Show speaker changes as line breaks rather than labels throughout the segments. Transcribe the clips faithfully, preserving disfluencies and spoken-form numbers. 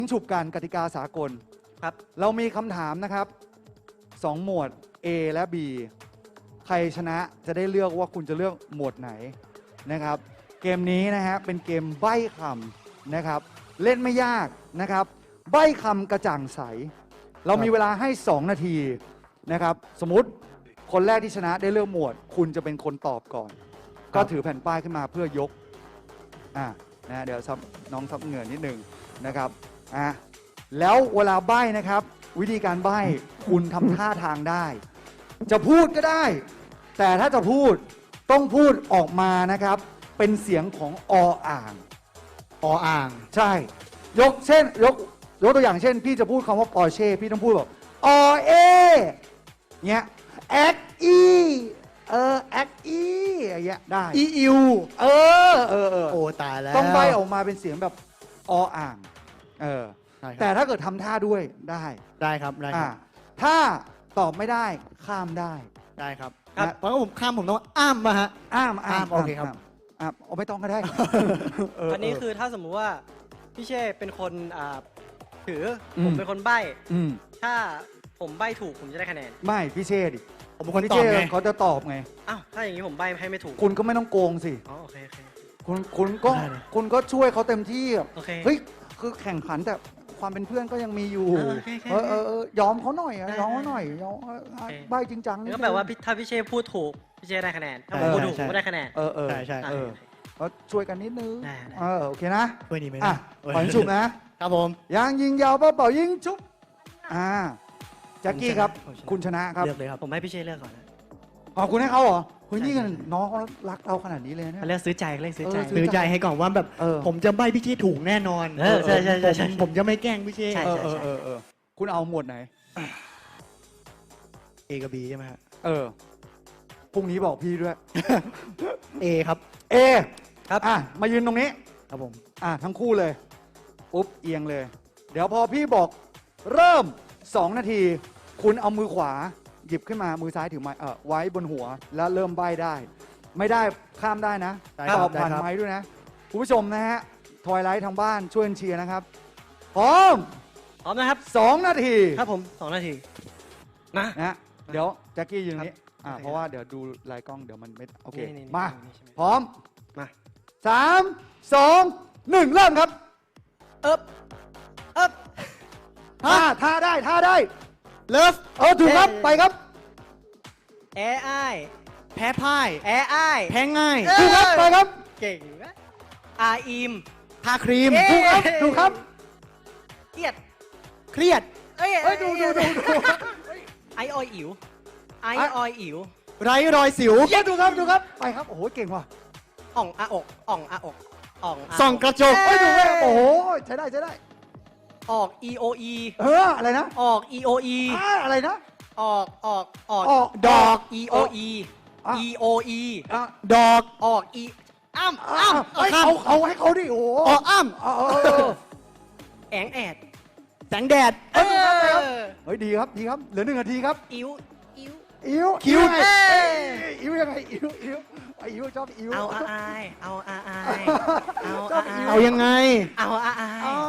ฉุบกันกติกาสากลครับเรามีคำถามนะครับสองหมวด A และ B ใครชนะจะได้เลือกว่าคุณจะเลือกหมวดไหนนะครับเกมนี้นะฮะเป็นเกมใบ้คำนะครับเล่นไม่ยากนะครับใบ้คำกระจ่างใสเรามีเวลาให้สองนาทีนะครับสมมุติคนแรกที่ชนะได้เลือกหมวดคุณจะเป็นคนตอบก่อนก็ถือแผ่นป้ายขึ้นมาเพื่อยกอ่านะเดี๋ยวซับน้องซับเหงื่อนิดนึงนะครับอ่ะแล้วเวลาใบ้นะครับวิธีการใบ้คุณทำท่าทางได้จะพูดก็ได้ แต่ถ้าจะพูดต้องพูดออกมานะครับเป็นเสียงของออ่าง
ออ่าง
ใช่ยกเช่นยกยกตัวอย่างเช่นพี่จะพูดคำว่าปอร์เช่พี่ต้องพูดแบบอเอเงี้ยแอคอีเออแอคอีอย่างเงี้ยได้
อีอิว
เออเออเออ
โอ้ตายแล้ว
ต้องใบออกมาเป็นเสียงแบบออ่างเออแต่ถ้าเกิดทำท่าด้วยได้
ได้ครับได้ครับ
ถ้าตอบไม่ได้ข้ามได้
ได้ครับเพราะว่าผมข้ามผมต้องอ้ามมาฮะ
อ้าม
อ้ามโอเคครับ
อ้ามเอาไม่ต้องก็ได้
อันนี้คือถ้าสมมุติว่าพี่เช่เป็นคนถือผมเป็นคนใบ้ถ้าผมใบ้ถูกผมจะได้คะแนน
ไม่พี่เช่ดิ
ผมเป็นคนตอบไง
เขาจะตอบไง
อ้าวถ้าอย่างนี้ผมใบ้ให้ไม่ถูก
คุณก็ไม่ต้องโกงสิ
อ๋อโอเคโอเค
คุณคุณก็คุณก็ช่วยเขาเต็มที่
โอเค
เฮ้ยคือแข่งขันแต่ความเป็นเพื่อนก็ยังมีอยู่เออเออยอมเขาหน่อยยอมเขาหน่อยยอมใบจริงจัง
ก็แปลว่าถ้าพี่เช่พูดถูกพี่เช่ได้คะแนนถ้าผมพูดถูกก็ได้คะแนน
เออเออ
ใช่ใช่
เออก็ช่วยกันนิดนึงเออโอเคนะ
ช่วยนี่ไหม
นะปล่อยชุบนะครับ
ผม
ยางยิงยาวเป่ายิงชุบอ่าแจ็คกี้ครับคุณชนะครับ
เลือกเลยครับ
ผมให้พี่เช่เลือกก่อนนะ
อ๋อคุณให้เขาเหรอคุณนี่กันน้องเขารักเราขนาดนี้เลยนะ
เลือกซื้อใจเลือกซื้อใจ
ซื้อใจให้ก่อนว่าแบบผมจะใบพี่เช่ถูกแน่นอน
ใช่ใช่ใช่
ผมจะไม่แกล้งพี่เช่
เออเออเออคุณเอาหมวดไหน
A กับ B ใช่ไหมฮะ
เออพรุ่งนี้บอกพี่ด้วย
A ครับ
A ครับอ่ะมายืนตรงนี้
ครับผม
อ่ะทั้งคู่เลยปุ๊บเอียงเลยเดี๋ยวพอพี่บอกเริ่มสองนาทีคุณเอามือขวาหยิบขึ้นมามือซ้ายถือไม้เออไว้บนหัวแล้วเริ่มใบ้ได้ไม่ได้ข้ามได้นะตอบผ่านไม้ด้วยนะคุณผู้ชมนะฮะทอยไลท์ทางบ้านช่วยเชียร์นะครับพร้อม
พร้อมนะครับ
สองนาที
ครับผมสองนาทีนะ
นะเดี๋ยวแจ็คกี้ยืนนี้อ่าเพราะว่าเดี๋ยวดูลายกล้องเดี๋ยวมันไม่โอเคมาพร้อม
มา
สามสองหนึ่งเริ่มครับ
เอ๊บเอ๊บ
ท่าท่าได้ท่าได้
เลิฟ
เออถูกครับไปครับ
แอไอ
แพ้พ่าย
แอไอ
แพ้ง่าย
ถูกครับไปครับ
เก่งนะอาอิม
ทาครีม
ถูกครับถูกครับ
เครียด
เครียด
เอ้ยดูดูดูดู
ไอออยอิ๋วไอออยอิ๋ว
ไร้รอยสิว
เย้ถูกครับถูกครับไปครับโอ้โหเก่งว่ะ
อ่องอาอกอ่องอาอกอ่อง
ส่องกระจก
เอ้ยดูเลยโอ้โหใช้ได้ใช้ได้
ออก e o e
เอออะไรนะ
ออก e o e
อะไรนะ
ออกออกออก
ออก
ดอก e o e e o e
ดอก
ออก e อ้ำอ้ำ
ให้เขาเขาให้เขาดิโอ้โห
ออกอ้ำ
แองแอด
แสงแดด
เฮ้ยดีครับดีครับเหลือหนึ่งนาทีครับ
อิ๋วอิ๋ว
อิ๋ว
คิ้ว
อิ๋วยังไงอิ๋วอิ๋วอิ๋วชอบอิ๋ว
เอาอายเอาอายเอาอาย
เอายังไง
เอาอาย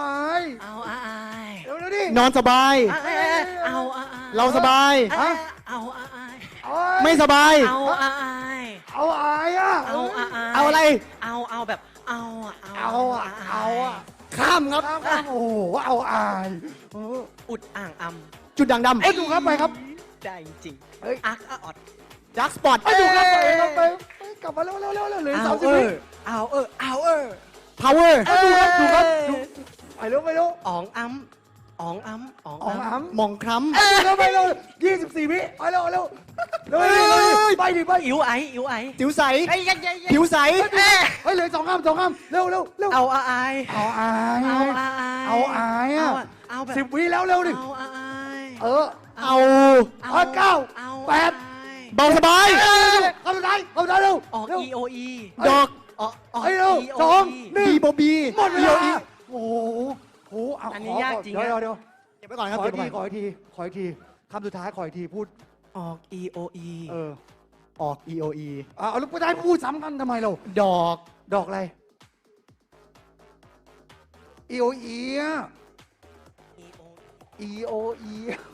เอาอาย
เร็วๆดิ
นอนสบาย
เอาอาย
เราสบาย
เอาอาย
ไม่สบาย
เอาอาย
เอาอายอ่ะ
เอาอาย
เอาอะไร
เอาเอาแบบเอา
เอาเอาอ่ะ
ข้ามครับ
โอ้โหเอาอาย
อุดอ่างอ
ำจุดด่างดำ
เอ้ยดูครับไปครับ
ได้จริงเอ้ยอาร์คออด
ดักสปอต
เอ้ยดูครับไปครับไปกลับมาเร็วเร็วเร็วเร็วเหลือสามสิบวิ
เอาเออเอาเออ
power
ดูครับดูครับดูไปเร็วไปเร็ว
อ๋องอ้ำอ๋องอ้ำอ๋อง
อ้ำ
มองคล้ำ
ไปเร็วไปเร็วยี่สิบสี่วิไปเร็วเร็วเร็วไปดิไป
อิ๋วไออิ๋วไอ
ผิวใสผิวใส
เฮ้ยเหลือสองคำสองคำเร็วเร็วเร็ว
เอาอาย
เอาอาย
เอาอาย
เอาอายอ่ะ
เอาแบบ
สิบวิแล้วเร็วดิ
เอาอาย
เออ
เอา
เก้าแปด
เบาสบาย
เข้าไปเข้าไปเร็ว
ออก e o e
ดอก
ออกออก
เร็วสองหนึ่ง
บีโบบี
หมดเวลาโอ้โหโอ้โห
อันนี้ยากจริง
เดี๋ยวเดี๋ยว
เก็บไว้ก่อนครับ
ขออีกทีขออีกทีขออีกทีคำสุดท้ายขออีกทีพูด
ออก e o e
เออ
ออก e o e
อ่าแล้วพูดได้พูดซ้ำกันทำไมเรา
ดอก
ดอกอะไร e o e อ่ะ E O E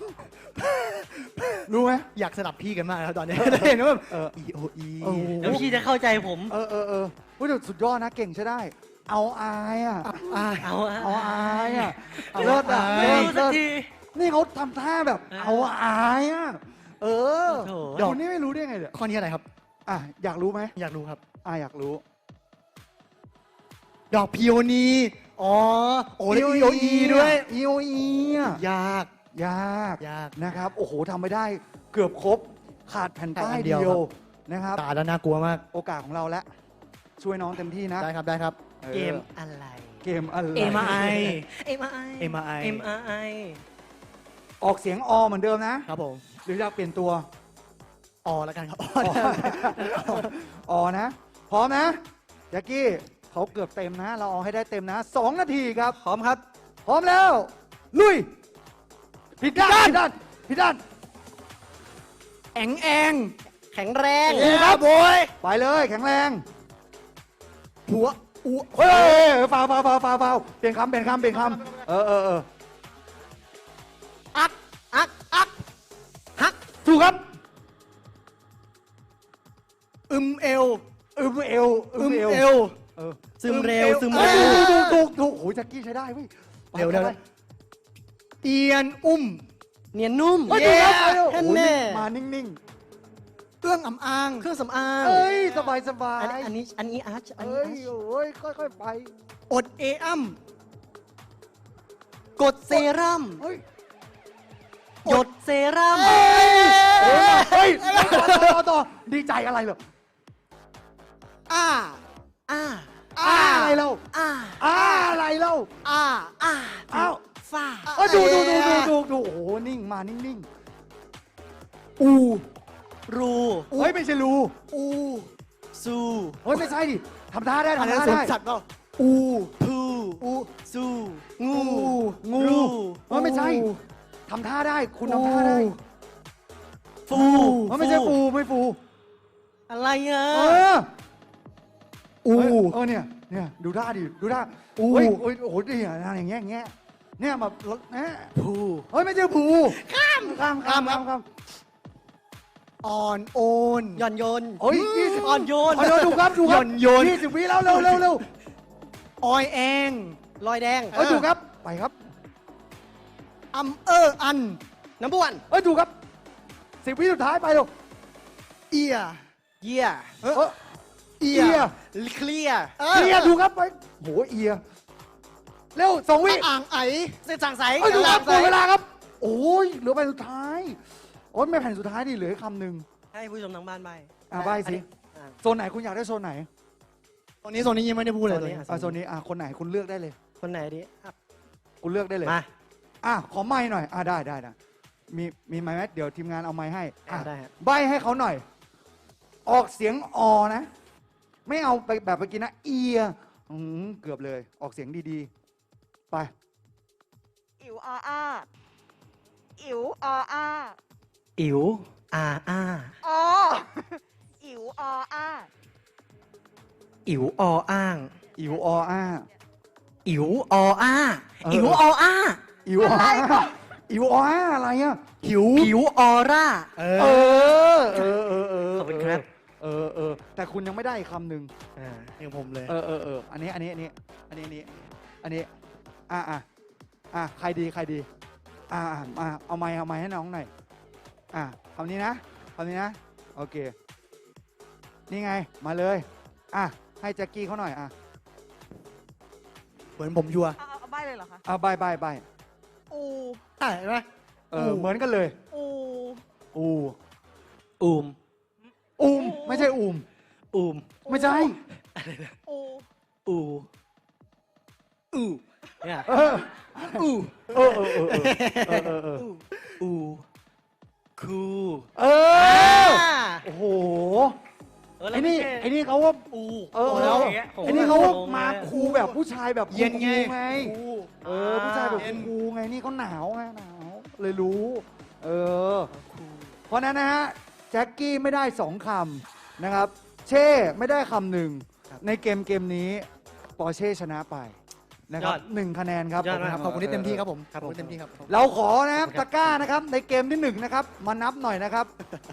รู้ไหม
อยากสลับพี่กันมากแล้วตอนนี้เห็นว่าแบบ
เออ
E O E
โอ้โห
แล้วพี่จะเข้าใจผม
เออเออเออเฮ้ยแต่สุดยอดนะเก่งใช่ได้ เอาอายอ่ะ
อ่า
เอาอะ
เอาอายอ่ะ
เอา
เลิศอ่ะ
อาย
ไม่
เลิศ
รู้สัก
เลิศ
ที
นี่เขาทำท่าแบบ
เออ
เอาอายอ่ะ เออ
โถ่
เดี๋ยวคนนี้ไม่รู้ได้ไงเนี่ย
ข้อนี้อะไรครับ
อ่ะอยากรู้ไหม
อยากรู้ครับ
อ่ะอยากรู้
ดอกพิโอนีอ๋อโอ้แล้ว E O E ด้วย
E O E อ่ะ
ยาก
ยาก
ยาก
นะครับ โอ้โหทำไม่ได้เกือบครบ ขาดแผ่นป้าย
ขาดอันเดี
เดี
ยว
ยวนะครับ
ตาแล้วน่ากลัวมาก
โอกาสของเราแล้ว ช่วยน้องเต็มที่นะ
ได้ครับได้ครับ
ออ
เกมอะไร
เกมอะไร
เอ็ม ไอ
เอ็มไอ
เอ็ม ไอ
เอ็มไอ
ออกเสียงอเหมือนเดิมนะ
ครับผม
หรืออยากเปลี่ยนตัว
ออแล้วกันครับ
ออนะ พร้อมนะแจ็คกี้เขาเกือบเต็มนะ เราเอาให้ได้เต็มนะสองนาทีครับ
พร้อมครับ
พร้อมแล้ว ลุยผิดด้านผิดด้านผิดด้าน
แองแอง
แข็งแรง
โอ้ครับโอย
ไปเลยแข็งแรง
หัวอู
เฮ้ยฟาวฟาวฟาวฟาวฟาวเปลี่ยนคำเปลี่ยนคำเปลี่ยนคำเออเออเออ
อัก อัก อัก ฮัก
ถูกครับ
อึมเอว
อึมเอว
อึมเอว
เออ
ซึมเร็ว ซึม
เอ้
เร็
ยว ถูกถูกถูกโอ้ยแจ็คกี้ใช้ได้เว้ยไป
เร็วเร็ว
ไป
เอียนอุ้ม
เนียนนุ่ม
เฮ้ยถูกครับไปเร็ว
แค่
โอ้ย
แน่
มานิ่ง
เอื้องอำอาง
เครื่องสำอาง
ๆ เอ้ยสบายสบาย
อันนี้อันนี้ อันนี้อาร์ชอันนี้
เอ้ย
อาร์ช
โอ้ยค่อยๆไป
อดเออัม
กดเซรั่ม
เฮ้ย
หยดเซรั่ม
เฮ้ยโอ้ยเฮ้ยต่อต่อต่อต่อดีใจอะไรเหรอ
อ้า
อ่า
อ้าอะไรเรา
อ่า
อ้าอะไรเรา
อ้า
อ่า
อ้าว
ฟ้า
เอ้ยดูดูดูดูดูดูโอ้โหนิ่งมานิ่ง
อู
รู
ๆเฮ้ยไม่ใช่รู
อู
ซู
เฮ้ยไม่ใช่ดิทำท่าได้
อัน
ทำ
นั้น
ท่า
สวน
ได้
สัตว์เปล่าอู
พู
อู
ซู งู
งู
รู
เฮ้ยไม่ใช่ทำท่าได้คุณทำท่าได้
ฟู
เฮ้ยไม่ใช่ฟูไม่ฟู
อะไรอ่ะ
เออ
อู
เฮ้ยเออเนี่ยเนี่ยดูท่าดิดูท่า
อู
เฮ้ยโอ้ยโอ้โหดีอ่ะอย่างเงี้ยอย่างเงี้ยเนี่ยแบบเนี่ย
ผู
เฮ้ยไม่ใช่ผูข้ามข้ามข้ามข้ามข้าม
อ่อนโอน
หย่อนโยน
เฮ้ยยี่สิบ
อ่อนโยน
อ่อนโยนดูครับดูครับ
หย่อนโยน
ยี่สิบวิแล้วเร็วเร็วเร็ว
ออยแอง
รอยแดง
เฮ้ยดูครับไปครับ
อัมเอออัน
น้ำบ้วน
เฮ้ยดูครับสิบวิสุดท้ายไปเร็ว
เอีย
เยี่ย
เออ
เอี
เอี
ย
ย
เคลียร์
เอียดูครับไปโหเอียเร็วสองวิ
อ่างไอ
เส้นสั่งใส
เฮ้ยดูครับห
ใส
มดเวลาครับ โอ้ยเหลือแผ่นสุดท้ายโอ้ยไม่แผ่นสุดท้ายดิเหลืออีกคำหนึ่ง
ให้ผู้ชมทางบ้านใบ
อ่ะใบ้สิ
อ่ะ
โซนไหนคุณอยากได้โซนไหน
ตอนนี้โซนนี้ยังไม่ได้พูดเลย
โซนนี้
ตอนนี้
อ่ะโซนนี้อ่ะคนไหนคุณเลือกได้เลย
คนไหนดีอ่ะ
คุณเลือกได้เลย
มา
อ่ะขอไม้หน่อยอ่ะได้ได้นะมีมีไม้ไหมเดี๋ยวทีมงานเอาไม้ให้อ่ะ
ได้ฮะ
ใบให้เขาหน่อย ออกเสียงอนะ ไม่เอาไปแบบเมื่อกี้นะเอียอืมเกือบเลย ออกเสียงดีๆ ไป
อิ๋วออาอิ๋วออา
อิ๋วอาอา
ออิ๋วออา
อิ๋วออ้าง
อิ๋วออ้า
อิ๋วออ้า
เออ
อิ๋วออ้า
อิ๋วออ้าอิ๋วออ้าอะไรอ่ะ
หิว
ผิวออร่า
เอ
เอ
อ
อเออเออเออ
ขอบคุณครับ
เออเออแต่คุณยังไม่ได้อีกคำหนึ่ง
อ่า
อย่างผมเลย
เออเออเอออันนี้อันนี้อันนี้อันนี้อันนี้อันนี้อ่ะอ่ะอ่ะใครดีใครดีอ่ะอ่ะอ่ะเอาไม้เอาไม้ให้น้องหน่อยอ่ะคำนี้นะคำนี้นะโอเคนี่ไงมาเลยอ่ะให้แจ็คกี้เขาหน่อยอ่ะ
เหมือนผมชัวร์
เอาเอาเอาใบเลยเหรอคะ
เอาใบใบใบ
อู
ใช่ไหม
เออเหมือนกันเลย
อู
อู
อูม
อูมไม่ใช่อูม
อูม
ไม่ใช่
อู
อูอูเนี่ย
เออ
อู
เออเออเออเออเออเออ
อูคู
เออโอ้โห
เแล้ว
ไอ้นี่
ม่ใช่
ไอ้นี่เขาว่า
อู
เออ
โแล้วย่างเงี้ยผม
ไอ้นี่เขาว่า
โง
มา
ลย
คูลแบบผู้ชายแบบ
เย็นไง
คูลไง
อู
เออผู้ชายแบบ
เย็น
คูลไงนี่เขาหนาวไงหนาวเลยรู้ เออ
คู
เพราะฉะนั้นนะฮะแจ็คกี้ไม่ได้สองคำนะครับ เช่ไม่ได้คำหนึ่งในเกมเกมนี้ปอร์เช่ชนะไปนะครับ
ยอด
หนึ่งคะแนนครับ
ยอดมาก
ขอบคุณที่เต็มที่ครับผม
ครับผม
ขอณเต็มที่ครับ
เราขอนะครับตะกร้านะครับในเกมที่หนึ่งนะครับมานับหน่อยนะครับ